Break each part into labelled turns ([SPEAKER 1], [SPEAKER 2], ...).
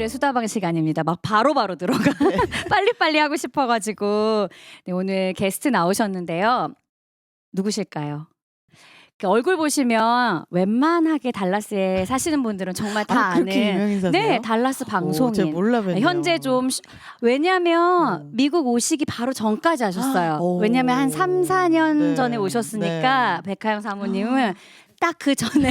[SPEAKER 1] 오늘의 수다방 시간입니다. 막 바로바로 들어가. 빨리빨리 하고 싶어가지고. 네, 오늘 게스트 나오셨는데요. 누구실까요? 얼굴 보시면 웬만하게 달라스에 사시는 분들은 정말 다 아는
[SPEAKER 2] 유명인사세요?
[SPEAKER 1] 네, 달라스 방송인.
[SPEAKER 2] 제가 몰라뵀네요.
[SPEAKER 1] 현재 좀 왜냐면 미국 오시기 바로 전까지 하셨어요. 왜냐면 한 3, 4년
[SPEAKER 2] 네.
[SPEAKER 1] 전에 오셨으니까 백하영 사모님은 딱 그 전에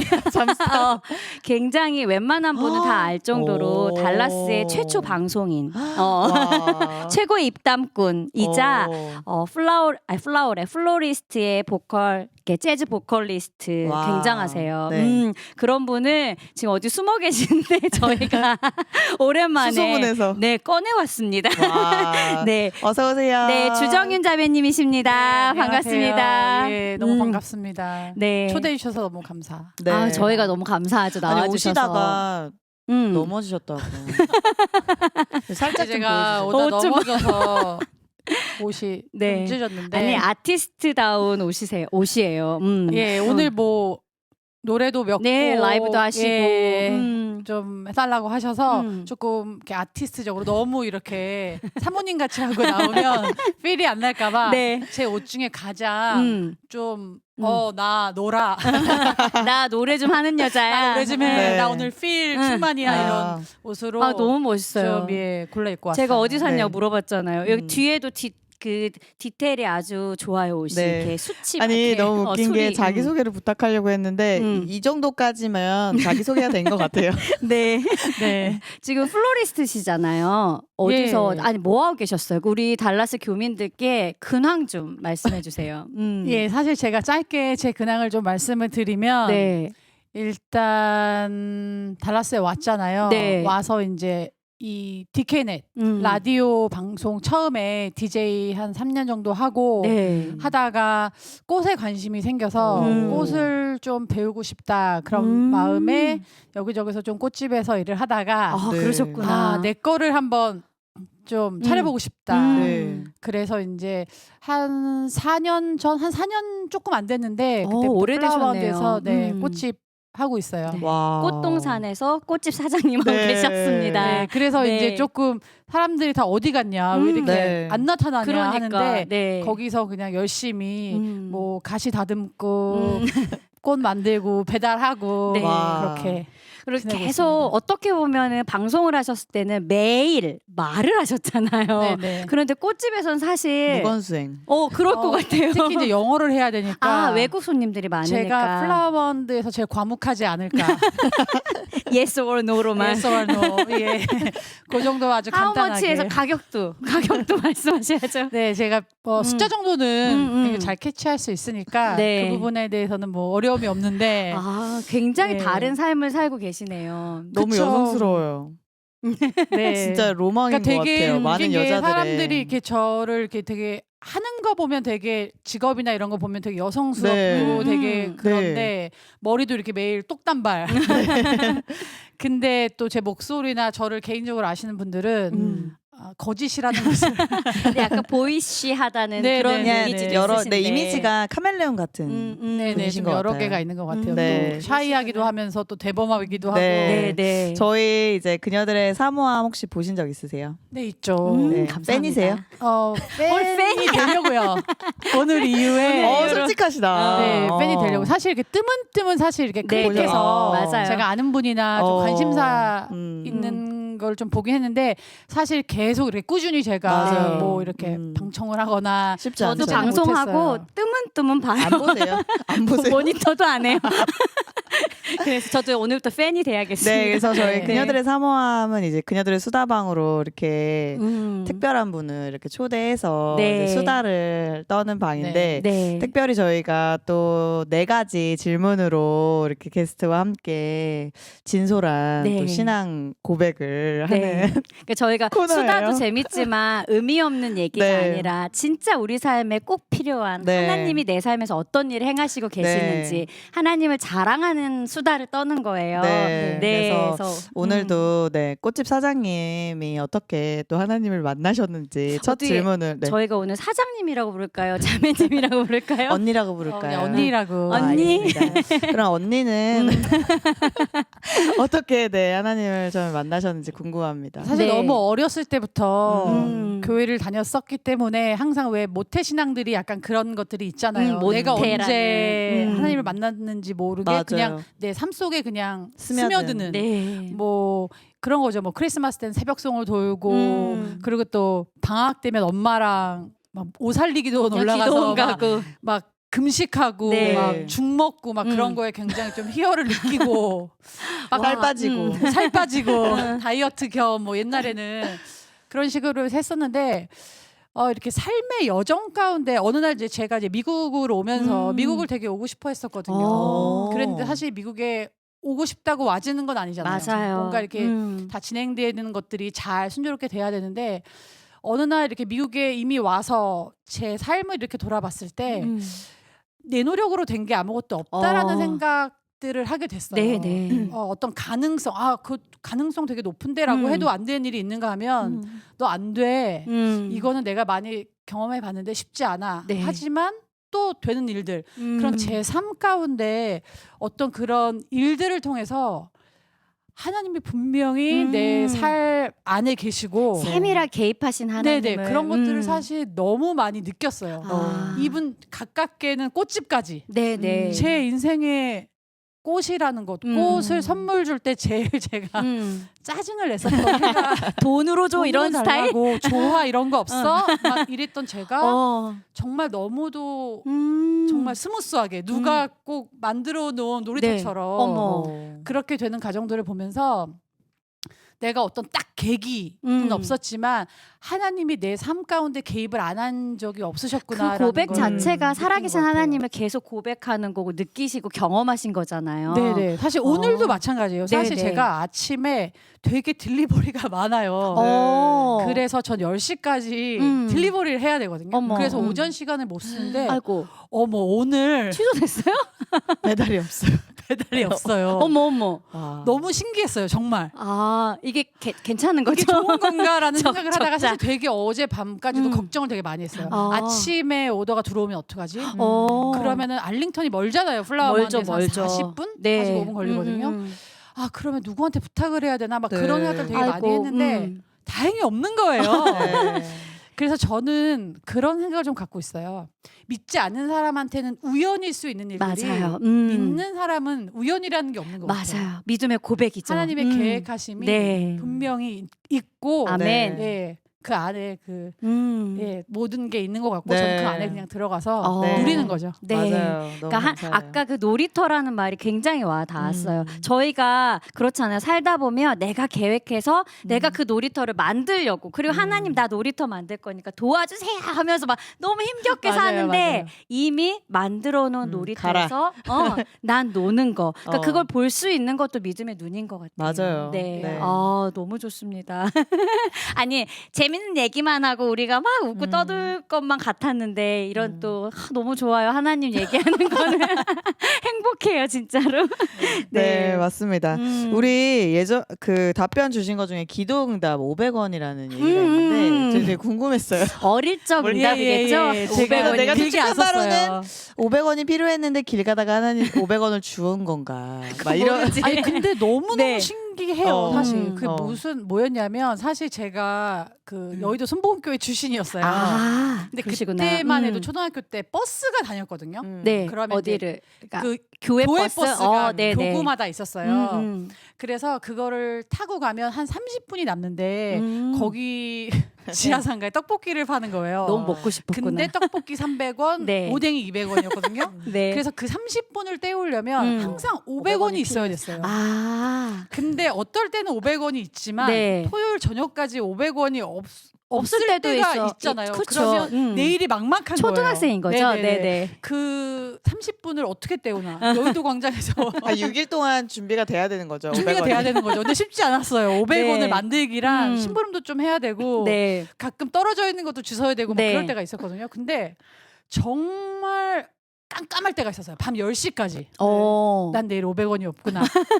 [SPEAKER 1] 굉장히 웬만한 분은 다 알 정도로 달라스의 최초 방송인, 최고의 입담꾼이자 플로리스트의 보컬, 재즈 보컬리스트
[SPEAKER 2] 와.
[SPEAKER 1] 굉장하세요.
[SPEAKER 2] 네.
[SPEAKER 1] 그런 분을 지금 어디 숨어 계시는데 저희가 오랜만에
[SPEAKER 2] 수소문해서.
[SPEAKER 1] 네, 꺼내왔습니다. 네.
[SPEAKER 2] 어서 오세요.
[SPEAKER 1] 네, 주정윤 자매님이십니다.
[SPEAKER 3] 네,
[SPEAKER 1] 반갑습니다.
[SPEAKER 3] 예, 너무 반갑습니다.
[SPEAKER 1] 네.
[SPEAKER 3] 초대해 주셔서 너무 감사.
[SPEAKER 2] 네.
[SPEAKER 1] 아, 저희가 너무 감사하죠.
[SPEAKER 2] 아니,
[SPEAKER 1] 나와주셔서.
[SPEAKER 2] 오시다가 넘어지셨다고. 살짝 좀
[SPEAKER 3] 제가
[SPEAKER 2] 보여주세요.
[SPEAKER 3] 오다 넘어져서 옷이
[SPEAKER 1] 네.
[SPEAKER 3] 좀 찢어졌는데.
[SPEAKER 1] 아니 아티스트다운 옷이에요.
[SPEAKER 3] 예, 오늘 뭐 노래도 몇
[SPEAKER 1] 네,
[SPEAKER 3] 곡,
[SPEAKER 1] 라이브도 하시고
[SPEAKER 3] 예, 좀 해달라고 하셔서 조금 이렇게 아티스트적으로 너무 이렇게 사모님 같이 하고 나오면 필이 안 날까봐
[SPEAKER 1] 네.
[SPEAKER 3] 제 옷 중에 가장 좀 나 놀아.
[SPEAKER 1] 나 노래 좀 하는 여자야.
[SPEAKER 3] 나 노래 좀 해.
[SPEAKER 2] 네.
[SPEAKER 3] 나 오늘 필 충만이야 이런 옷으로
[SPEAKER 1] 아, 너무 멋있어요.
[SPEAKER 3] 좀 골라 입고 왔어요.
[SPEAKER 1] 제가 어디 샀냐고
[SPEAKER 2] 네.
[SPEAKER 1] 물어봤잖아요. 여기 뒤에도 그 디테일이 아주 좋아요. 옷이
[SPEAKER 2] 네.
[SPEAKER 1] 이렇게 수치
[SPEAKER 2] 아니
[SPEAKER 1] 이렇게.
[SPEAKER 2] 너무 웃긴 게
[SPEAKER 1] 소리.
[SPEAKER 2] 자기소개를 부탁하려고 했는데 이 정도까지면 자기소개가 된 것 같아요.
[SPEAKER 1] 네.
[SPEAKER 3] 네.
[SPEAKER 1] 지금 플로리스트시잖아요. 어디서
[SPEAKER 3] 예.
[SPEAKER 1] 아니 뭐 하고 계셨어요? 우리 달라스 교민들께 근황 좀 말씀해 주세요.
[SPEAKER 3] 예, 사실 제가 짧게 제 근황을 좀 말씀을 드리면
[SPEAKER 1] 네.
[SPEAKER 3] 일단 달라스에 왔잖아요.
[SPEAKER 1] 네.
[SPEAKER 3] 와서 이제 이 디케넷 라디오 방송 처음에 DJ 한 3년 정도 하고
[SPEAKER 1] 네.
[SPEAKER 3] 하다가 꽃에 관심이 생겨서 꽃을 좀 배우고 싶다 그런 마음에 여기저기서 좀 꽃집에서 일을 하다가
[SPEAKER 1] 아,
[SPEAKER 2] 네.
[SPEAKER 1] 그러셨구나.
[SPEAKER 3] 내 거를 한번 좀 차려보고 싶다.
[SPEAKER 2] 네.
[SPEAKER 3] 그래서 이제 한 4년 조금 안 됐는데 그때
[SPEAKER 1] 오래되셨네요.
[SPEAKER 3] 플라워드에서 네, 꽃집 하고 있어요.
[SPEAKER 1] 네.
[SPEAKER 2] 와.
[SPEAKER 1] 꽃동산에서 꽃집 사장님하고
[SPEAKER 2] 네.
[SPEAKER 1] 계셨습니다.
[SPEAKER 3] 네, 그래서
[SPEAKER 1] 네.
[SPEAKER 3] 이제 조금 사람들이 다 어디 갔냐, 왜 이렇게
[SPEAKER 2] 네.
[SPEAKER 3] 안 나타나냐
[SPEAKER 1] 그러니까
[SPEAKER 3] 하는데
[SPEAKER 1] 네.
[SPEAKER 3] 거기서 그냥 열심히 뭐 가시 다듬고 꽃 만들고 배달하고
[SPEAKER 1] 네.
[SPEAKER 2] 와.
[SPEAKER 3] 그렇게
[SPEAKER 1] 그리고
[SPEAKER 3] 지내고
[SPEAKER 1] 계속
[SPEAKER 3] 있습니다.
[SPEAKER 1] 어떻게 보면은 방송을 하셨을 때는 매일 말을 하셨잖아요.
[SPEAKER 3] 네네.
[SPEAKER 1] 그런데 꽃집에서는 사실
[SPEAKER 2] 무건수행.
[SPEAKER 1] 그럴 것 같아요.
[SPEAKER 3] 특히 이제 영어를 해야 되니까
[SPEAKER 1] 아, 외국 손님들이 많으니까.
[SPEAKER 3] 제가 플라워번드에서 제일 과묵하지 않을까.
[SPEAKER 1] yes or no로만.
[SPEAKER 3] yes or no. 예. 그 정도 아주 간단하게.
[SPEAKER 1] 하우머치에서 가격도 말씀하셔야죠.
[SPEAKER 3] 네, 제가 숫자 정도는 되게
[SPEAKER 1] 음.
[SPEAKER 3] 잘 캐치할 수 있으니까
[SPEAKER 1] 네.
[SPEAKER 3] 그 부분에 대해서는 뭐 어려움이 없는데
[SPEAKER 1] 아, 굉장히
[SPEAKER 3] 네.
[SPEAKER 1] 다른 삶을 살고 계시네요.
[SPEAKER 2] 너무
[SPEAKER 3] 그쵸.
[SPEAKER 2] 여성스러워요.
[SPEAKER 3] 네.
[SPEAKER 2] 진짜 로망인
[SPEAKER 3] 그러니까
[SPEAKER 2] 것
[SPEAKER 3] 되게
[SPEAKER 2] 같아요.
[SPEAKER 3] 웃긴
[SPEAKER 2] 많은
[SPEAKER 3] 게
[SPEAKER 2] 여자들의.
[SPEAKER 3] 사람들이 이렇게 저를 이렇게 되게 하는 거 보면 되게 직업이나 이런 거 보면 되게 여성스럽고
[SPEAKER 2] 네.
[SPEAKER 3] 되게
[SPEAKER 1] 네.
[SPEAKER 3] 그런데 머리도 이렇게 매일 똑단발. 근데 또 제 목소리나 저를 개인적으로 아시는 분들은 거짓이라는 것을
[SPEAKER 1] 근데 약간 보이시하다는
[SPEAKER 3] 네,
[SPEAKER 1] 그런
[SPEAKER 3] 네, 네,
[SPEAKER 1] 이미지도
[SPEAKER 3] 네.
[SPEAKER 2] 여러
[SPEAKER 1] 있으신데.
[SPEAKER 2] 이미지가 카멜레온 같은.
[SPEAKER 3] 네네
[SPEAKER 2] 분이신
[SPEAKER 3] 좀
[SPEAKER 2] 것
[SPEAKER 3] 여러
[SPEAKER 2] 같아요.
[SPEAKER 3] 개가 있는 것 같아요.
[SPEAKER 2] 네.
[SPEAKER 3] 또 샤이하기도 하면서 또 대범하기도 하고.
[SPEAKER 2] 네.
[SPEAKER 1] 네.
[SPEAKER 2] 저희 이제 그녀들의 사모함 혹시 보신 적 있으세요?
[SPEAKER 3] 네 있죠.
[SPEAKER 2] 네.
[SPEAKER 1] 감사합니다.
[SPEAKER 2] 팬이세요?
[SPEAKER 3] 팬이 되려고요. 오늘 이후에
[SPEAKER 2] 솔직하시다.
[SPEAKER 3] 네, 팬이 되려고. 사실 이렇게 뜨문뜨문 사실 이렇게
[SPEAKER 1] 네,
[SPEAKER 3] 클릭해서
[SPEAKER 1] 맞아요.
[SPEAKER 3] 제가 아는 분이나 좀 관심사 있는 걸 좀 보긴 했는데 사실 계속 이렇게 꾸준히 제가
[SPEAKER 2] 맞아요.
[SPEAKER 3] 뭐 이렇게 방청을 하거나
[SPEAKER 2] 쉽지
[SPEAKER 1] 저도
[SPEAKER 2] 않죠.
[SPEAKER 1] 방송하고
[SPEAKER 3] 못했어요.
[SPEAKER 1] 뜨문뜨문 봐요.
[SPEAKER 2] 안 보세요? 안 보세요?
[SPEAKER 1] 모니터도 안 해요. 그래서 저도 오늘부터 팬이 돼야겠습니다.
[SPEAKER 2] 네, 그래서 저희
[SPEAKER 3] 네.
[SPEAKER 2] 그녀들의 사모함은 이제 그녀들의 수다방으로 이렇게 특별한 분을 이렇게 초대해서
[SPEAKER 1] 네.
[SPEAKER 2] 이제 수다를 떠는 방인데
[SPEAKER 1] 네.
[SPEAKER 2] 특별히 저희가 또 4가지 질문으로 이렇게 게스트와 함께 진솔한
[SPEAKER 1] 네.
[SPEAKER 2] 또 신앙 고백을
[SPEAKER 1] 네.
[SPEAKER 2] 하는
[SPEAKER 1] 그러니까 저희가
[SPEAKER 2] 코너예요.
[SPEAKER 1] 수다도 재밌지만 의미 없는 얘기가
[SPEAKER 2] 네.
[SPEAKER 1] 아니라 진짜 우리 삶에 꼭 필요한
[SPEAKER 2] 네.
[SPEAKER 1] 하나님이 내 삶에서 어떤 일을 행하시고 계시는지 하나님을 자랑하는 수다를 떠는 거예요.
[SPEAKER 2] 네. 그래서
[SPEAKER 1] 그래서
[SPEAKER 2] 오늘도 네, 꽃집 사장님이 어떻게 또 하나님을 만나셨는지 첫
[SPEAKER 1] 어디
[SPEAKER 2] 질문을 네.
[SPEAKER 1] 저희가 오늘 사장님이라고 부를까요? 자매님이라고 부를까요?
[SPEAKER 2] 언니라고 부를까요?
[SPEAKER 3] 그냥 언니라고.
[SPEAKER 1] 언니?
[SPEAKER 2] 알겠습니다. 그럼 언니는 어떻게 네 하나님을 좀 만나셨는지 궁금합니다.
[SPEAKER 3] 사실
[SPEAKER 1] 네.
[SPEAKER 3] 너무 어렸을 때부터
[SPEAKER 1] 교회를
[SPEAKER 3] 교회를 다녔었기 때문에 항상 왜 모태 신앙들이 약간 그런 것들이 있잖아요.
[SPEAKER 1] 모태라는.
[SPEAKER 3] 내가 언제 하나님을 만났는지 모르게
[SPEAKER 2] 맞아요.
[SPEAKER 3] 그냥 내 삶 속에 그냥
[SPEAKER 2] 스며드는.
[SPEAKER 3] 스며드는
[SPEAKER 1] 네.
[SPEAKER 3] 뭐 그런 거죠. 뭐 크리스마스 때는 새벽송을 돌고 그리고 또 방학 되면 엄마랑 막 오살리기도 올라가서
[SPEAKER 1] 기도원
[SPEAKER 3] 막,
[SPEAKER 1] 가고.
[SPEAKER 3] 막 금식하고
[SPEAKER 1] 네.
[SPEAKER 3] 막 죽 먹고 막 그런 거에 굉장히 좀 희열을 느끼고 막
[SPEAKER 2] 살 빠지고.
[SPEAKER 3] 살 빠지고 다이어트 겸 뭐 옛날에는 그런 식으로 했었는데 이렇게 삶의 여정 가운데 어느 날 이제 제가 이제 미국으로 오면서 미국을 되게 오고 싶어 했었거든요.
[SPEAKER 1] 어.
[SPEAKER 3] 그랬는데 사실 미국에 오고 싶다고 와지는 건 아니잖아요.
[SPEAKER 1] 맞아요.
[SPEAKER 3] 뭔가 이렇게 다 진행되는 것들이 잘 순조롭게 돼야 되는데 어느 날 이렇게 미국에 이미 와서 제 삶을 이렇게 돌아봤을 때 내 노력으로 된 게 아무것도 없다라는 생각들을 하게 됐어요.
[SPEAKER 1] 네네.
[SPEAKER 3] 어떤 가능성, 그 가능성 되게 높은데라고 해도 안 되는 일이 있는가 하면 너 안 돼. 이거는 내가 많이 경험해 봤는데 쉽지 않아.
[SPEAKER 1] 네.
[SPEAKER 3] 하지만 또 되는 일들. 그런 제 삶 가운데 어떤 그런 일들을 통해서 하나님이 분명히 내 삶 안에 계시고
[SPEAKER 1] 세밀하게 개입하신 하나님을.
[SPEAKER 3] 네네 그런 것들을 사실 너무 많이 느꼈어요.
[SPEAKER 1] 아.
[SPEAKER 3] 이분 가깝게는 꽃집까지
[SPEAKER 1] 네네.
[SPEAKER 3] 제 인생의 꽃이라는 것, 꽃을 선물 줄 때 제일 제가 짜증을 냈었던 해가
[SPEAKER 1] 돈으로 줘 이런 스타일.
[SPEAKER 3] 좋아 이런 거 없어? 막 이랬던 제가 정말 너무도 정말 스무스하게 누가 꼭 만들어 놓은 놀이터처럼
[SPEAKER 1] 네. 어머.
[SPEAKER 3] 그렇게 되는 가정들을 보면서 내가 어떤 딱 계기는 없었지만 하나님이 내 삶 가운데 개입을 안 한 적이 없으셨구나.
[SPEAKER 1] 그 고백
[SPEAKER 3] 걸
[SPEAKER 1] 자체가
[SPEAKER 3] 느낀
[SPEAKER 1] 살아계신
[SPEAKER 3] 것 같아요.
[SPEAKER 1] 하나님을 계속 고백하는 거고 느끼시고 경험하신 거잖아요.
[SPEAKER 3] 네네. 사실 오늘도 마찬가지예요. 사실
[SPEAKER 1] 네네.
[SPEAKER 3] 제가 아침에 되게 딜리버리가 많아요. 그래서 전 10시까지 딜리버리를 해야 되거든요.
[SPEAKER 1] 어머.
[SPEAKER 3] 그래서 오전 시간을 못 쓰는데
[SPEAKER 1] 아이고
[SPEAKER 3] 어머 오늘
[SPEAKER 1] 취소됐어요?
[SPEAKER 2] 배달이 없어요.
[SPEAKER 3] 배달이 없어요.
[SPEAKER 1] 어머.
[SPEAKER 3] 너무 신기했어요. 정말.
[SPEAKER 1] 아 이게 괜찮은 거죠?
[SPEAKER 3] 이게 좋은 건가라는 생각을 하다가
[SPEAKER 1] 적자.
[SPEAKER 3] 사실 되게 어제 밤까지도 걱정을 되게 많이 했어요. 아침에 오더가 들어오면 어떡하지? 그러면은 알링턴이 멀잖아요. 플라워만에서
[SPEAKER 1] 멀죠.
[SPEAKER 3] 40분?
[SPEAKER 1] 네.
[SPEAKER 3] 45분 걸리거든요. 그러면 누구한테 부탁을 해야 되나? 막
[SPEAKER 2] 네.
[SPEAKER 3] 그런 생각들 되게 많이
[SPEAKER 1] 아이고,
[SPEAKER 3] 했는데 다행히 없는 거예요.
[SPEAKER 2] 네.
[SPEAKER 3] 그래서 저는 그런 생각을 좀 갖고 있어요. 믿지 않는 사람한테는 우연일 수 있는 일들이
[SPEAKER 1] 맞아요.
[SPEAKER 3] 믿는 사람은 우연이라는 게 없는 것 같아요.
[SPEAKER 1] 맞아요. 믿음의 고백이죠.
[SPEAKER 3] 하나님의 계획하심이
[SPEAKER 1] 네.
[SPEAKER 3] 분명히 있고
[SPEAKER 1] 아멘.
[SPEAKER 3] 예, 그 안에 그
[SPEAKER 1] 네.
[SPEAKER 3] 모든 게 있는 것 같고
[SPEAKER 2] 네.
[SPEAKER 3] 저는 그 안에 그냥 들어가서
[SPEAKER 2] 네.
[SPEAKER 3] 누리는 거죠.
[SPEAKER 1] 네.
[SPEAKER 2] 맞아요. 너무
[SPEAKER 1] 그러니까
[SPEAKER 2] 감사해요.
[SPEAKER 1] 아까 그 놀이터라는 말이 굉장히 와 닿았어요. 저희가 그렇잖아요. 살다 보면 내가 계획해서 내가 그 놀이터를 만들려고 그리고 하나님 나 놀이터 만들 거니까 도와주세요 하면서 막 너무 힘겹게
[SPEAKER 3] 맞아요,
[SPEAKER 1] 사는데
[SPEAKER 3] 맞아요.
[SPEAKER 1] 이미 만들어 놓은 놀이터에서 난 노는 거. 그러니까
[SPEAKER 2] 어.
[SPEAKER 1] 그걸 볼 수 있는 것도 믿음의 눈인 것 같아요.
[SPEAKER 2] 맞아요.
[SPEAKER 1] 네.
[SPEAKER 2] 네.
[SPEAKER 1] 너무 좋습니다. 아니 재밌는 얘기만 하고 우리가 막 웃고 떠들 것만 같았는데 이런 또 너무 좋아요. 하나님 얘기하는 거는 행복해요 진짜로.
[SPEAKER 2] 네, 맞습니다.
[SPEAKER 1] 음.
[SPEAKER 2] 우리 예전 그 답변 주신 것 중에 기도응답 500원이라는 얘기가 있는데 저 되게 궁금했어요.
[SPEAKER 1] 어릴 적 응답이겠죠?
[SPEAKER 3] 제가
[SPEAKER 1] 500원이.
[SPEAKER 2] 내가
[SPEAKER 3] 길게 안
[SPEAKER 2] 추측한 바로는
[SPEAKER 3] 썼어요.
[SPEAKER 2] 500원이 필요했는데 길 가다가 하나님 500원을 주운 건가? 막 이런
[SPEAKER 1] 모르지.
[SPEAKER 3] 아니 근데 너무
[SPEAKER 1] 네.
[SPEAKER 3] 신기해요. 사실 그
[SPEAKER 2] 어.
[SPEAKER 3] 무슨 뭐였냐면 사실 제가 그 여의도 순복음교회 출신이었어요.
[SPEAKER 1] 근데
[SPEAKER 3] 근데 그때만 해도 초등학교 때 버스가 다녔거든요.
[SPEAKER 1] 네.
[SPEAKER 3] 그러면
[SPEAKER 1] 어디를? 그러니까
[SPEAKER 3] 그
[SPEAKER 1] 교회,
[SPEAKER 3] 교회
[SPEAKER 1] 버스?
[SPEAKER 3] 버스가
[SPEAKER 1] 네네.
[SPEAKER 3] 교구마다 있었어요.
[SPEAKER 1] 음.
[SPEAKER 3] 그래서 그거를 타고 가면 한 30분이 남는데 거기
[SPEAKER 1] 네.
[SPEAKER 3] 지하상가에 떡볶이를 파는 거예요.
[SPEAKER 1] 너무 먹고 싶었구나.
[SPEAKER 3] 근데 떡볶이 300원,
[SPEAKER 1] 네.
[SPEAKER 3] 오뎅이 200원이었거든요.
[SPEAKER 1] 네.
[SPEAKER 3] 그래서 그 30분을 때우려면 항상 500원이 있어야 됐어요. 근데 어떨 때는 500원이 있지만
[SPEAKER 1] 네.
[SPEAKER 3] 토요일 저녁까지 500원이
[SPEAKER 1] 없을
[SPEAKER 3] 없을
[SPEAKER 1] 때도
[SPEAKER 3] 때가
[SPEAKER 1] 있어.
[SPEAKER 3] 있잖아요.
[SPEAKER 1] 그쵸.
[SPEAKER 3] 그러면 내일이 막막한
[SPEAKER 1] 초등학생인
[SPEAKER 3] 거예요.
[SPEAKER 1] 거죠? 네네.
[SPEAKER 3] 그 30분을 어떻게 때우나 여의도 광장에서
[SPEAKER 2] 6일 동안 준비가 돼야 되는 거죠.
[SPEAKER 3] 준비가
[SPEAKER 2] 500원이.
[SPEAKER 3] 돼야 되는 거죠. 근데 쉽지 않았어요. 500원을
[SPEAKER 1] 네.
[SPEAKER 3] 만들기랑 심부름도 좀 해야 되고
[SPEAKER 1] 네.
[SPEAKER 3] 가끔 떨어져 있는 것도 주워야 되고 막
[SPEAKER 1] 네.
[SPEAKER 3] 그럴 때가 있었거든요. 근데 정말 깜깜할 때가 있었어요. 밤 10시까지. 난 내일 500원이 없구나.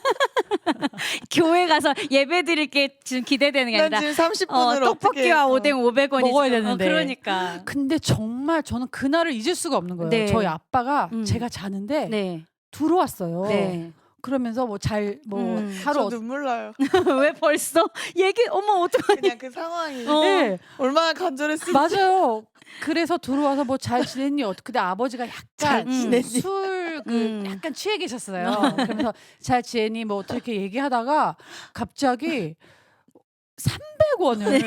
[SPEAKER 1] 교회 가서 예배 드릴 게 지금 기대되는 게
[SPEAKER 2] 난
[SPEAKER 1] 아니라
[SPEAKER 2] 지금 30분을
[SPEAKER 1] 떡볶이와 오뎅 500원이
[SPEAKER 3] 먹어야 되는데.
[SPEAKER 1] 그러니까.
[SPEAKER 3] 근데 정말 저는 그날을 잊을 수가 없는 거예요.
[SPEAKER 1] 네.
[SPEAKER 3] 저희 아빠가 제가 자는데
[SPEAKER 1] 네.
[SPEAKER 3] 들어왔어요.
[SPEAKER 1] 네.
[SPEAKER 3] 그러면서 뭐 잘 뭐
[SPEAKER 2] 저
[SPEAKER 3] 하루
[SPEAKER 2] 눈물 나요.
[SPEAKER 1] 왜 벌써 어머 어떡하니?
[SPEAKER 2] 그냥 그 상황이
[SPEAKER 3] 네,
[SPEAKER 2] 얼마나 간절했을지.
[SPEAKER 3] 맞아요. 그래서 들어와서 뭐 잘 지냈니? 근데 아버지가
[SPEAKER 2] 잘
[SPEAKER 3] 약간
[SPEAKER 2] 지냈니?
[SPEAKER 3] 술 약간 취해 계셨어요. 그러면서 잘 지냈니? 뭐 어떻게 얘기하다가 갑자기 300원을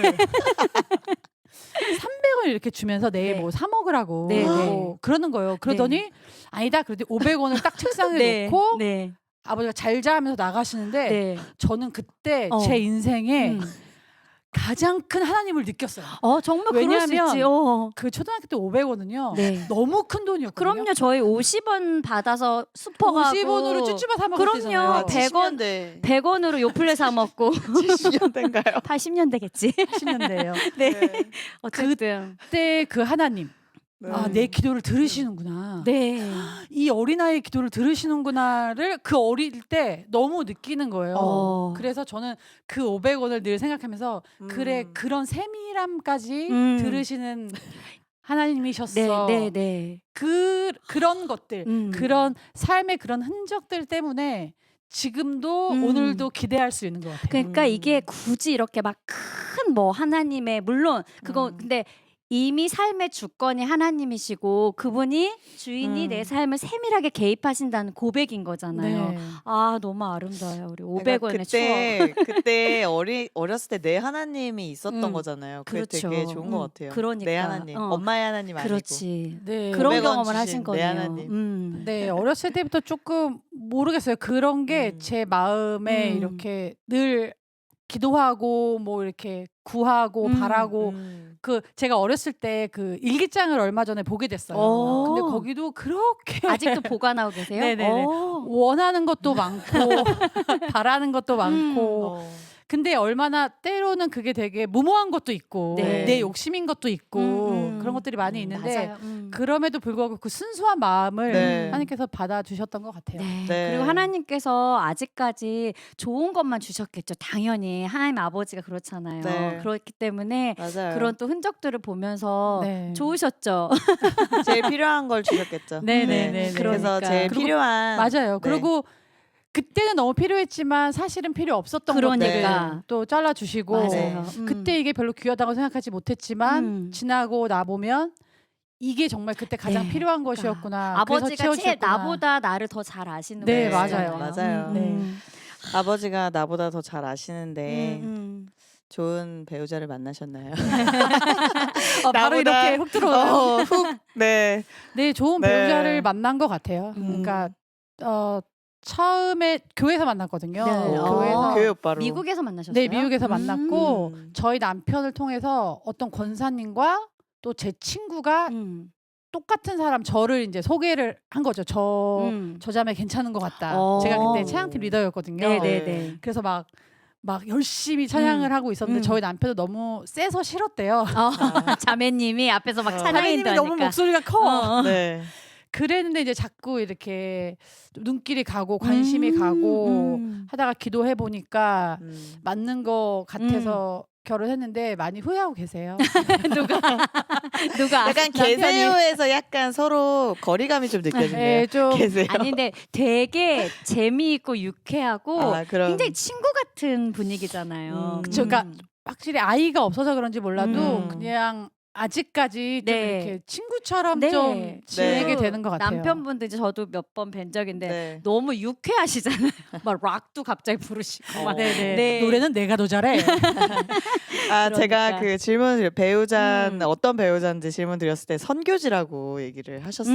[SPEAKER 3] 300원 이렇게 주면서 내일
[SPEAKER 1] 네.
[SPEAKER 3] 뭐 사 먹으라고
[SPEAKER 1] 네,
[SPEAKER 3] 뭐 그러는 거예요. 그러더니 아니다. 그래도 500원을 딱 책상에 놓고
[SPEAKER 1] 네.
[SPEAKER 3] 아버지가 잘 자면서 나가시는데
[SPEAKER 1] 네.
[SPEAKER 3] 저는 그때
[SPEAKER 1] 어.
[SPEAKER 3] 제 인생에
[SPEAKER 1] 음.
[SPEAKER 3] 가장 큰 하나님을 느꼈어요.
[SPEAKER 1] 정말 그럴 수
[SPEAKER 3] 왜냐하면
[SPEAKER 1] 있지.
[SPEAKER 3] 그 초등학교 때 500원은요.
[SPEAKER 1] 네.
[SPEAKER 3] 너무 큰 돈이었거든요.
[SPEAKER 1] 그럼요. 저희 50원 받아서 슈퍼 가고
[SPEAKER 3] 50원으로 쭈쭈바 사 먹었잖아요.
[SPEAKER 1] 그럼요.
[SPEAKER 2] 100원
[SPEAKER 1] 100원으로 요플레 사 먹고
[SPEAKER 2] 70년대인가요?
[SPEAKER 1] 80년대겠지.
[SPEAKER 3] 80년대예요.
[SPEAKER 1] 네. 어쨌든.
[SPEAKER 3] 그때 그 하나님.
[SPEAKER 2] 네.
[SPEAKER 3] 아, 내 기도를 들으시는구나.
[SPEAKER 1] 네.
[SPEAKER 3] 이 어린아이의 기도를 들으시는구나를 그 어릴 때 너무 느끼는 거예요. 그래서 저는 그 500원을 늘 생각하면서 그래 그런 세밀함까지 들으시는 하나님이셨어.
[SPEAKER 1] 네.
[SPEAKER 3] 그런 것들, 그런 삶의 그런 흔적들 때문에 지금도 오늘도 기대할 수 있는 것 같아요.
[SPEAKER 1] 그러니까 이게 굳이 이렇게 막 큰 뭐 하나님의 물론 그거 근데 이미 삶의 주권이 하나님이시고 그분이 주인이 내 삶을 세밀하게 개입하신다는 고백인 거잖아요.
[SPEAKER 3] 네.
[SPEAKER 1] 아 너무 아름다워요. 우리 500원의 추억.
[SPEAKER 2] 그때 어렸을 때 내 하나님이 있었던 거잖아요. 그게
[SPEAKER 1] 그렇죠.
[SPEAKER 2] 되게 좋은 것 같아요.
[SPEAKER 1] 그러니까.
[SPEAKER 2] 내 하나님, 엄마의 하나님 아니고.
[SPEAKER 1] 그렇지.
[SPEAKER 3] 네.
[SPEAKER 1] 그런
[SPEAKER 2] 500원
[SPEAKER 1] 경험을
[SPEAKER 2] 주신
[SPEAKER 1] 하신
[SPEAKER 2] 내
[SPEAKER 1] 거네요.
[SPEAKER 2] 하나님.
[SPEAKER 3] 네, 어렸을 때부터 조금 모르겠어요. 그런 게 제 마음에 이렇게 늘 기도하고 뭐 이렇게 구하고 바라고 그 제가 어렸을 때 그 일기장을 얼마 전에 보게 됐어요. 근데 거기도 그렇게
[SPEAKER 1] 아직도 보관하고 계세요?
[SPEAKER 3] 네네네. 원하는 것도 많고 바라는 것도 많고 근데 얼마나 때로는 그게 되게 무모한 것도 있고
[SPEAKER 1] 네.
[SPEAKER 3] 내 욕심인 것도 있고 그런 것들이 많이 있는데
[SPEAKER 1] 맞아요.
[SPEAKER 3] 그럼에도 불구하고 그 순수한 마음을
[SPEAKER 2] 네.
[SPEAKER 3] 하나님께서 받아주셨던 것 같아요.
[SPEAKER 1] 네.
[SPEAKER 2] 네.
[SPEAKER 1] 그리고 하나님께서 아직까지 좋은 것만 주셨겠죠. 당연히 하나님 아버지가 그렇잖아요.
[SPEAKER 2] 네.
[SPEAKER 1] 그렇기 때문에
[SPEAKER 2] 맞아요.
[SPEAKER 1] 그런 또 흔적들을 보면서
[SPEAKER 3] 네.
[SPEAKER 1] 좋으셨죠.
[SPEAKER 2] 제일 필요한 걸 주셨겠죠.
[SPEAKER 3] 네네네.
[SPEAKER 2] 그래서
[SPEAKER 1] 그러니까.
[SPEAKER 2] 제일
[SPEAKER 3] 그리고
[SPEAKER 2] 필요한
[SPEAKER 3] 맞아요.
[SPEAKER 2] 네.
[SPEAKER 3] 그리고 그때는 너무 필요했지만 사실은 필요 없었던
[SPEAKER 1] 그러니까.
[SPEAKER 3] 것들 또 잘라주시고
[SPEAKER 1] 맞아요.
[SPEAKER 3] 그때 이게 별로 귀하다고 생각하지 못했지만 지나고 나 보면 이게 정말 그때 가장
[SPEAKER 1] 네.
[SPEAKER 3] 필요한 것이었구나.
[SPEAKER 1] 아버지가
[SPEAKER 3] 그래서
[SPEAKER 1] 제일
[SPEAKER 3] 채워주셨구나.
[SPEAKER 1] 나보다 나를 더 잘 아시는
[SPEAKER 3] 네,
[SPEAKER 1] 분이시잖아요.
[SPEAKER 2] 맞아요.
[SPEAKER 3] 네.
[SPEAKER 2] 아버지가 나보다 더 잘 아시는데
[SPEAKER 1] 음.
[SPEAKER 2] 좋은 배우자를 만나셨나요?
[SPEAKER 3] 바로
[SPEAKER 2] 나보다-
[SPEAKER 3] 이렇게 훅 들어오는.
[SPEAKER 2] 네.
[SPEAKER 3] 네, 좋은
[SPEAKER 2] 네.
[SPEAKER 3] 배우자를 만난 것 같아요. 그러니까 처음에 교회에서 만났거든요.
[SPEAKER 1] 네.
[SPEAKER 3] 교회에서
[SPEAKER 2] 교회 오빠로.
[SPEAKER 1] 미국에서 만나셨어요?
[SPEAKER 3] 네, 미국에서 만났고
[SPEAKER 2] 음.
[SPEAKER 3] 저희 남편을 통해서 어떤 권사님과 또 제 친구가 똑같은 사람 저를 이제 소개를 한 거죠. 저 자매 괜찮은 것 같다. 제가 그때 찬양팀 리더였거든요.
[SPEAKER 1] 네네네.
[SPEAKER 3] 그래서 막 열심히 찬양을 하고 있었는데 저희 남편도 너무 세서 싫었대요.
[SPEAKER 1] 자매님이 앞에서 막 찬양인도
[SPEAKER 3] 자매님이 너무
[SPEAKER 1] 하니까.
[SPEAKER 3] 목소리가 커.
[SPEAKER 2] 네.
[SPEAKER 3] 그랬는데 이제 자꾸 이렇게 눈길이 가고 관심이 가고 하다가 기도해 보니까 맞는 것 같아서 결혼했는데 많이 후회하고 계세요.
[SPEAKER 1] 누가
[SPEAKER 2] 약간 계세요에서 약간 서로 거리감이 좀 느껴지네요.
[SPEAKER 3] 네, 좀
[SPEAKER 2] 계세요.
[SPEAKER 1] 아닌데 되게 재미있고 유쾌하고
[SPEAKER 2] 그럼.
[SPEAKER 1] 굉장히 친구 같은 분위기잖아요.
[SPEAKER 3] 그쵸. 그러니까 확실히 아이가 없어서 그런지 몰라도
[SPEAKER 2] 음.
[SPEAKER 3] 그냥 아직까지 좀
[SPEAKER 1] 네.
[SPEAKER 3] 이렇게 친구처럼
[SPEAKER 1] 네.
[SPEAKER 3] 좀 지내게
[SPEAKER 2] 네.
[SPEAKER 3] 되는 것 같아요.
[SPEAKER 1] 남편분도 이제 저도 몇 번 뵌 적인데
[SPEAKER 2] 네.
[SPEAKER 1] 너무 유쾌하시잖아요. 막 락도 갑자기 부르시고 막.
[SPEAKER 3] 네네.
[SPEAKER 1] 네.
[SPEAKER 3] 노래는 내가 더 잘해.
[SPEAKER 2] 제가 그 질문을 배우자 어떤 배우자인지 질문 드렸을 때 선교지라고 얘기를 하셨어요.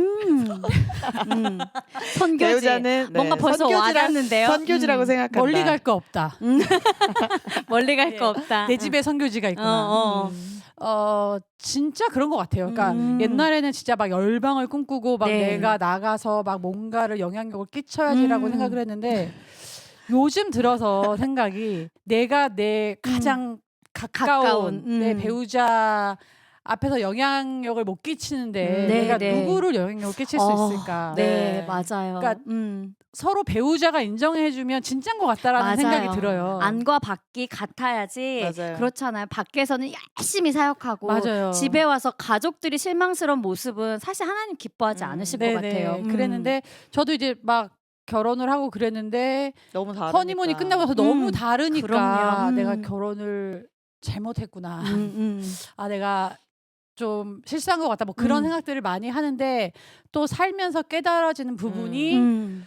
[SPEAKER 1] 선교지.
[SPEAKER 2] 배우자는
[SPEAKER 1] 뭔가 벌써 와닿는데요.
[SPEAKER 2] 선교지라고 생각한다.
[SPEAKER 3] 멀리 갈 거 없다.
[SPEAKER 1] 멀리 갈
[SPEAKER 3] 네.
[SPEAKER 1] 거 없다.
[SPEAKER 3] 내 집에 선교지가 있구나. 진짜 그런 것 같아요. 그러니까 옛날에는 진짜 막 열방을 꿈꾸고 막
[SPEAKER 1] 네.
[SPEAKER 3] 내가 나가서 막 뭔가를 영향력을 끼쳐야지라고 생각을 했는데 요즘 들어서 생각이 내가 내 가장 가까운 내 배우자 앞에서 영향력을 못 끼치는데
[SPEAKER 1] 네,
[SPEAKER 3] 내가
[SPEAKER 1] 네.
[SPEAKER 3] 누구를 영향력을 끼칠 수 있을까?
[SPEAKER 1] 네, 맞아요.
[SPEAKER 3] 그러니까 서로 배우자가 인정해주면 진짜인 것 같다라는
[SPEAKER 1] 맞아요.
[SPEAKER 3] 생각이 들어요.
[SPEAKER 1] 안과 밖이 같아야지.
[SPEAKER 2] 맞아요.
[SPEAKER 1] 그렇잖아요. 밖에서는 열심히 사역하고
[SPEAKER 3] 맞아요.
[SPEAKER 1] 집에 와서 가족들이 실망스러운 모습은 사실 하나님 기뻐하지 않으실 것
[SPEAKER 3] 네네.
[SPEAKER 1] 같아요.
[SPEAKER 3] 그랬는데 저도 이제 막 결혼을 하고 그랬는데
[SPEAKER 2] 너무 다르니까.
[SPEAKER 3] 허니문이 끝나고 나서 너무 다르니까
[SPEAKER 1] 그럼요.
[SPEAKER 3] 내가 결혼을 잘못했구나. 아 내가 좀 실수한 것 같다. 뭐 그런 생각들을 많이 하는데 또 살면서 깨달아지는 부분이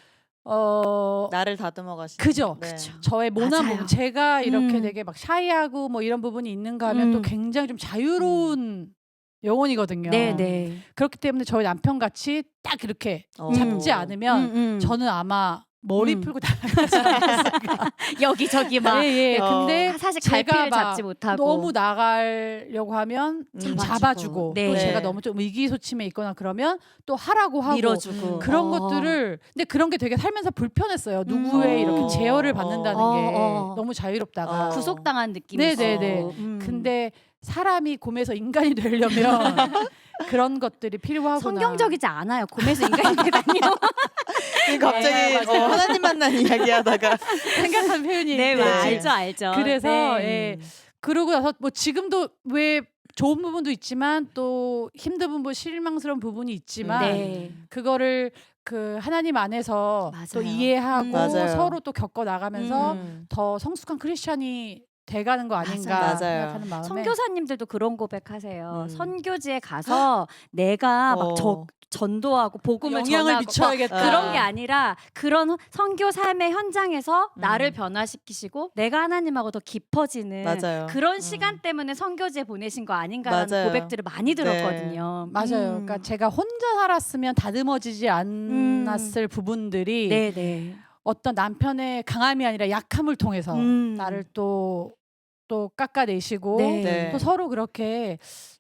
[SPEAKER 2] 나를 다듬어 가시.
[SPEAKER 3] 그죠.
[SPEAKER 2] 네.
[SPEAKER 3] 저의 모난
[SPEAKER 1] 맞아요.
[SPEAKER 3] 부분 제가 이렇게
[SPEAKER 1] 음.
[SPEAKER 3] 되게 막 샤이하고 뭐 이런 부분이 있는가 하면 또 굉장히 좀 자유로운 영혼이거든요.
[SPEAKER 1] 네네.
[SPEAKER 3] 그렇기 때문에 저희 남편 같이 딱 이렇게 잡지 않으면 저는 아마 머리 풀고 나가지 않았을까.
[SPEAKER 1] 여기저기 막
[SPEAKER 3] 예, 예.
[SPEAKER 2] 어.
[SPEAKER 3] 근데
[SPEAKER 1] 사실
[SPEAKER 3] 제가
[SPEAKER 1] 갈피를
[SPEAKER 3] 막
[SPEAKER 1] 잡지 못하고
[SPEAKER 3] 너무 나가려고 하면 잡아주고
[SPEAKER 1] 네.
[SPEAKER 3] 또
[SPEAKER 2] 네.
[SPEAKER 3] 제가 너무 좀 의기소침해 있거나 그러면 또 하라고 하고
[SPEAKER 1] 밀어주고
[SPEAKER 3] 그런 것들을 근데 그런 게 되게 살면서 불편했어요. 누구의 이렇게 제어를 받는다는 게 너무 자유롭다가
[SPEAKER 1] 구속당한 느낌이
[SPEAKER 3] 네네네.
[SPEAKER 1] 있고.
[SPEAKER 3] 근데 사람이 곰에서 인간이 되려면 그런 것들이 필요하구나.
[SPEAKER 1] 성경적이지 않아요. 곰에서 인간이 되다니요.
[SPEAKER 2] 갑자기
[SPEAKER 3] 네, 맞아요.
[SPEAKER 2] 하나님 만난 이야기하다가
[SPEAKER 3] 생각한 표현이
[SPEAKER 1] 네,
[SPEAKER 2] 네.
[SPEAKER 1] 알죠.
[SPEAKER 3] 그래서
[SPEAKER 1] 네.
[SPEAKER 3] 예. 그러고 나서 뭐 지금도 왜 좋은 부분도 있지만 또 힘든 부분, 실망스러운 부분이 있지만
[SPEAKER 1] 네.
[SPEAKER 3] 그거를 그 하나님 안에서
[SPEAKER 1] 맞아요.
[SPEAKER 3] 또 이해하고
[SPEAKER 2] 맞아요.
[SPEAKER 3] 서로 또 겪어 나가면서
[SPEAKER 2] 음.
[SPEAKER 3] 더 성숙한 크리스찬이 돼가는 거 아닌가
[SPEAKER 2] 맞아요.
[SPEAKER 3] 생각하는 마음에
[SPEAKER 1] 선교사님들도 그런 고백하세요.
[SPEAKER 2] 음.
[SPEAKER 1] 선교지에 가서 내가 막 전도하고 복음을
[SPEAKER 3] 영향을
[SPEAKER 1] 전하고
[SPEAKER 3] 미쳐야겠다.
[SPEAKER 1] 그런 게 아니라 그런 선교 삶의 현장에서 나를
[SPEAKER 2] 음.
[SPEAKER 1] 변화시키시고 내가 하나님하고 더 깊어지는
[SPEAKER 2] 맞아요.
[SPEAKER 1] 그런 시간 때문에 선교지에 보내신 거 아닌가라는
[SPEAKER 2] 맞아요.
[SPEAKER 1] 고백들을 많이 들었거든요.
[SPEAKER 3] 맞아요. 그러니까 제가 혼자 살았으면 다듬어지지 않았을 부분들이
[SPEAKER 1] 네네.
[SPEAKER 3] 어떤 남편의 강함이 아니라 약함을 통해서 나를 또 깎아내시고
[SPEAKER 1] 네.
[SPEAKER 3] 또 서로 그렇게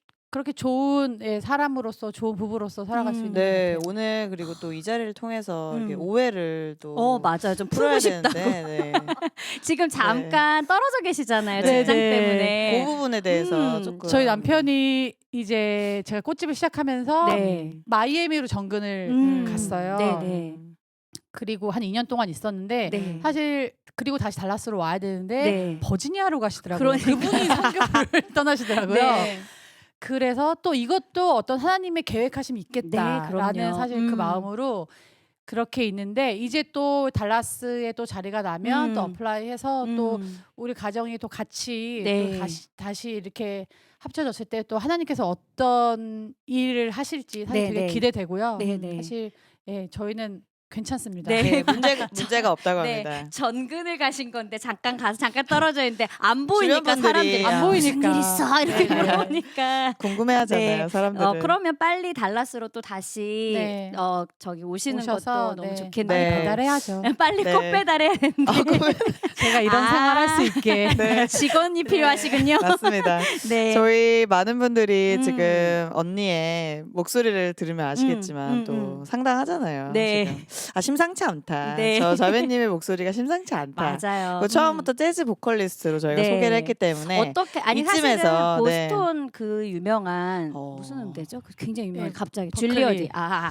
[SPEAKER 3] 좋은 사람으로서 좋은 부부로서 살아갈 수 있는
[SPEAKER 2] 네,
[SPEAKER 3] 것 같아요.
[SPEAKER 2] 오늘 그리고 또 이 자리를 통해서 이렇게 오해를 또
[SPEAKER 1] 맞아요. 좀
[SPEAKER 2] 풀어야
[SPEAKER 1] 풀고 싶다고.
[SPEAKER 2] 되는데 네.
[SPEAKER 1] 지금 잠깐 떨어져 계시잖아요.
[SPEAKER 2] 네.
[SPEAKER 1] 직장
[SPEAKER 3] 네.
[SPEAKER 1] 때문에.
[SPEAKER 2] 그 부분에 대해서
[SPEAKER 1] 음.
[SPEAKER 2] 조금
[SPEAKER 3] 저희 남편이 이제 제가 꽃집을 시작하면서
[SPEAKER 1] 네.
[SPEAKER 3] 마이애미로 정근을 갔어요.
[SPEAKER 1] 네네.
[SPEAKER 3] 그리고 한 2년 동안 있었는데
[SPEAKER 1] 네.
[SPEAKER 3] 사실 그리고 다시 달라스로 와야 되는데
[SPEAKER 1] 네.
[SPEAKER 3] 버지니아로 가시더라고요.
[SPEAKER 1] 그러니까요.
[SPEAKER 3] 그분이 선교를 떠나시더라고요.
[SPEAKER 1] 네.
[SPEAKER 3] 그래서 또 이것도 어떤 하나님의 계획하심이
[SPEAKER 1] 네,
[SPEAKER 3] 있겠다라는
[SPEAKER 1] 그럼요.
[SPEAKER 3] 사실 그 마음으로 그렇게 있는데 이제 또 달라스에 또 자리가 나면 또 어플라이해서 또 우리 가정이 또 같이
[SPEAKER 1] 네.
[SPEAKER 3] 또 다시 이렇게 합쳐졌을 때 또 하나님께서 어떤 일을 하실지 사실
[SPEAKER 1] 네,
[SPEAKER 3] 되게
[SPEAKER 1] 네.
[SPEAKER 3] 기대되고요.
[SPEAKER 1] 네, 네.
[SPEAKER 3] 사실 저희는 괜찮습니다.
[SPEAKER 1] 네.
[SPEAKER 2] 네, 문제가 없다고
[SPEAKER 1] 네,
[SPEAKER 2] 합니다.
[SPEAKER 1] 전근을 가신 건데 잠깐 가서 잠깐 떨어져 있는데 안 보이니까
[SPEAKER 2] 주변 분들이
[SPEAKER 1] 사람들이
[SPEAKER 3] 안 보이니까.
[SPEAKER 1] 무슨 일 있어 이렇게
[SPEAKER 3] 네, 네.
[SPEAKER 1] 물어보니까
[SPEAKER 2] 궁금해하잖아요,
[SPEAKER 1] 네.
[SPEAKER 2] 사람들은.
[SPEAKER 1] 그러면 빨리 달라스로 또 다시
[SPEAKER 3] 네.
[SPEAKER 1] 저기 오시는
[SPEAKER 3] 오셔서,
[SPEAKER 1] 것도 너무
[SPEAKER 3] 네.
[SPEAKER 1] 좋겠네요.
[SPEAKER 2] 네.
[SPEAKER 3] 배달해야죠.
[SPEAKER 1] 빨리
[SPEAKER 2] 네.
[SPEAKER 1] 꼭 배달해야 되는데
[SPEAKER 3] 제가 이런 생활할 수 있게.
[SPEAKER 2] 네,
[SPEAKER 1] 직원이 필요하시군요.
[SPEAKER 2] 맞습니다.
[SPEAKER 1] 네.
[SPEAKER 2] 저희 많은 분들이 지금 언니의 목소리를 들으면 아시겠지만 또 상당하잖아요.
[SPEAKER 1] 네.
[SPEAKER 2] 지금. 심상치 않다.
[SPEAKER 1] 네.
[SPEAKER 2] 저 자매님의 목소리가 심상치 않다.
[SPEAKER 1] 맞아요.
[SPEAKER 2] 그 처음부터 재즈 보컬리스트로 저희가
[SPEAKER 1] 네.
[SPEAKER 2] 소개를 했기 때문에
[SPEAKER 1] 어떻게 아니
[SPEAKER 2] 이쯤에서,
[SPEAKER 1] 사실은
[SPEAKER 2] 네.
[SPEAKER 1] 보스톤 그 유명한
[SPEAKER 2] 어.
[SPEAKER 1] 무슨 음대죠? 그 굉장히 유명한
[SPEAKER 3] 네,
[SPEAKER 1] 갑자기
[SPEAKER 3] 버클리.
[SPEAKER 1] 줄리어디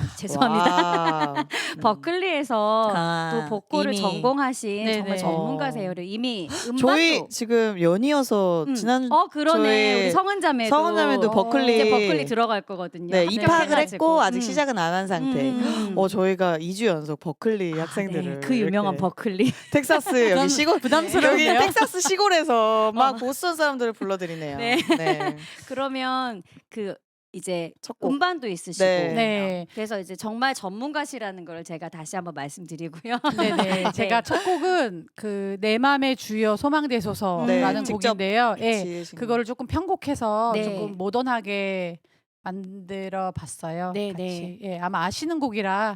[SPEAKER 1] 죄송합니다.
[SPEAKER 2] 와우.
[SPEAKER 1] 버클리에서 또 보컬을
[SPEAKER 2] 이미.
[SPEAKER 1] 전공하신
[SPEAKER 3] 네네.
[SPEAKER 1] 정말 전문가세요. 이미 음반도
[SPEAKER 2] 저희 지금 연이어서 지난
[SPEAKER 1] 그러네.
[SPEAKER 2] 저희
[SPEAKER 1] 우리 성은자매도
[SPEAKER 2] 성은자매도 버클리
[SPEAKER 1] 이제 버클리 들어갈 거거든요.
[SPEAKER 2] 네, 입학을
[SPEAKER 1] 합격해가지고.
[SPEAKER 2] 했고 아직 시작은 안 한 상태. 저희가 2주 연속 버클리 학생들을
[SPEAKER 1] 그 유명한
[SPEAKER 2] 이렇게
[SPEAKER 1] 버클리.
[SPEAKER 2] 텍사스 여기 시골
[SPEAKER 3] 부담스러운데요?
[SPEAKER 2] 여기 텍사스 시골에서 막 보스턴 사람들을 불러드리네요.
[SPEAKER 1] 네.
[SPEAKER 2] 네.
[SPEAKER 1] 그러면 그 이제
[SPEAKER 2] 첫 곡.
[SPEAKER 1] 음반도 있으시고
[SPEAKER 2] 네.
[SPEAKER 3] 네.
[SPEAKER 1] 그래서 이제 정말 전문가시라는 걸 제가 다시 한번 말씀드리고요.
[SPEAKER 3] 네네. 제가 첫 곡은 그 내 맘의 주여 소망되소서라는
[SPEAKER 2] 직접
[SPEAKER 3] 곡인데요. 예.
[SPEAKER 2] 지으신
[SPEAKER 3] 그거를 조금 편곡해서
[SPEAKER 1] 네.
[SPEAKER 3] 조금 모던하게 만들어 봤어요.
[SPEAKER 1] 네,
[SPEAKER 3] 같이.
[SPEAKER 1] 네.
[SPEAKER 3] 예, 아마 아시는 곡이라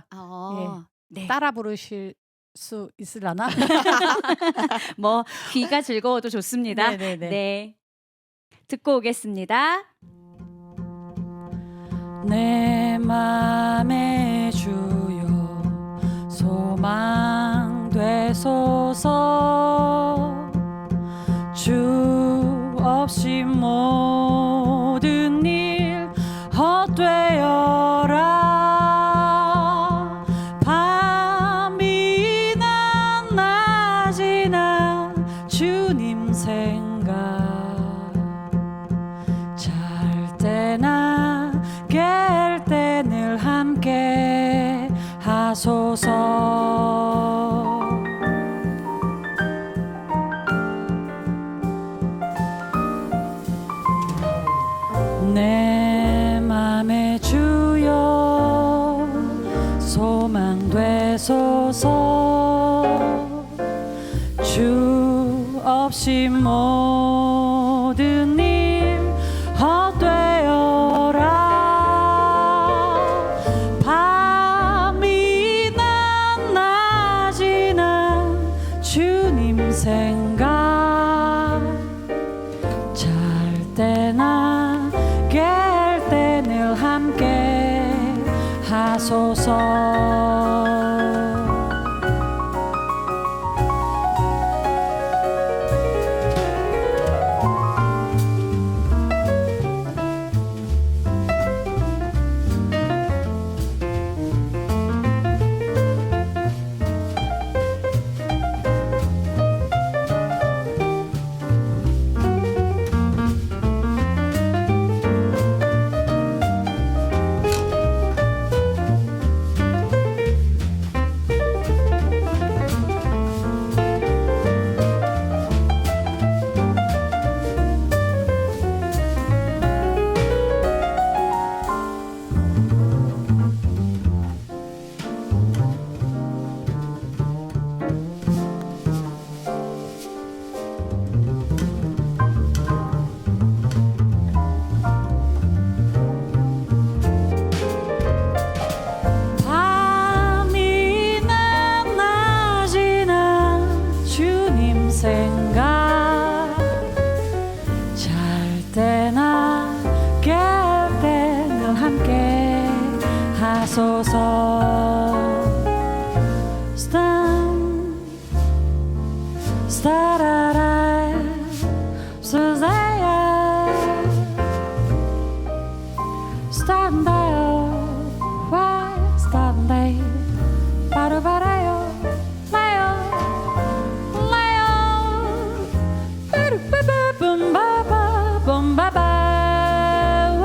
[SPEAKER 1] 네.
[SPEAKER 3] 따라 부르실 수 있으려나?
[SPEAKER 1] 뭐 귀가 즐거워도 좋습니다.
[SPEAKER 3] 네네네.
[SPEAKER 1] 네. 듣고 오겠습니다.
[SPEAKER 3] 내 맘의 주여 소망 되소서 주 없이 모든 일 헛되어라 밤이나 낮이나 주님 생각 잘 때나 깰 때 늘 함께 하소서 주 없이 모든 일 헛되어라. 밤이나 낮이나 주님 생각, 잘 때나 깰 때 늘 함께 하소서. 밤이나 낮이나 주님 생각, 잘 때나 깰 때 늘 함께 하소서. 스타라라 수자야 스탄다요 와 스탄다이 바로바라요 라요 라요 빠루빠빠 봄바바 봄바바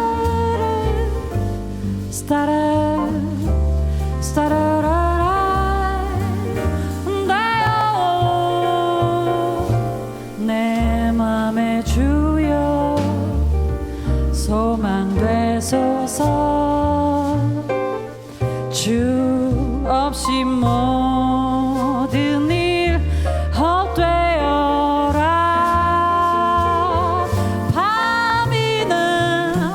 [SPEAKER 3] 스타라 스타라라 내 맘에 주여 소망 되소서. 주 없이 모든 일 헛되어라. 밤이나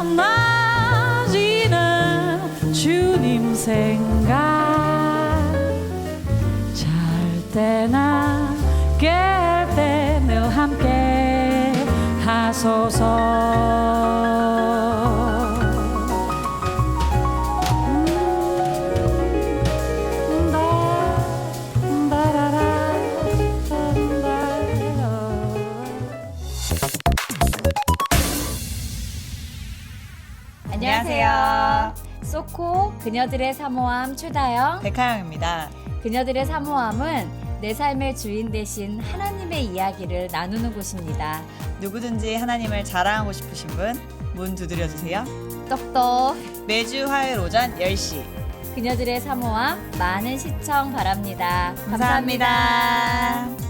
[SPEAKER 3] 낮이나 주님 생각, 잘 때나 깰 때 늘 함께 하소서.
[SPEAKER 1] 안녕하세요. 소코 그녀들의 사모함 출다영.
[SPEAKER 2] 백하영입니다.
[SPEAKER 1] 그녀들의 사모함은 내 삶의 주인 대신 하나님의 이야기를 나누는 곳입니다.
[SPEAKER 2] 누구든지 하나님을 자랑하고 싶으신 분 문 두드려 주세요.
[SPEAKER 1] 똑똑
[SPEAKER 2] 매주 화요일 오전 10시.
[SPEAKER 1] 그녀들의 사모함 많은 시청 바랍니다.
[SPEAKER 2] 감사합니다.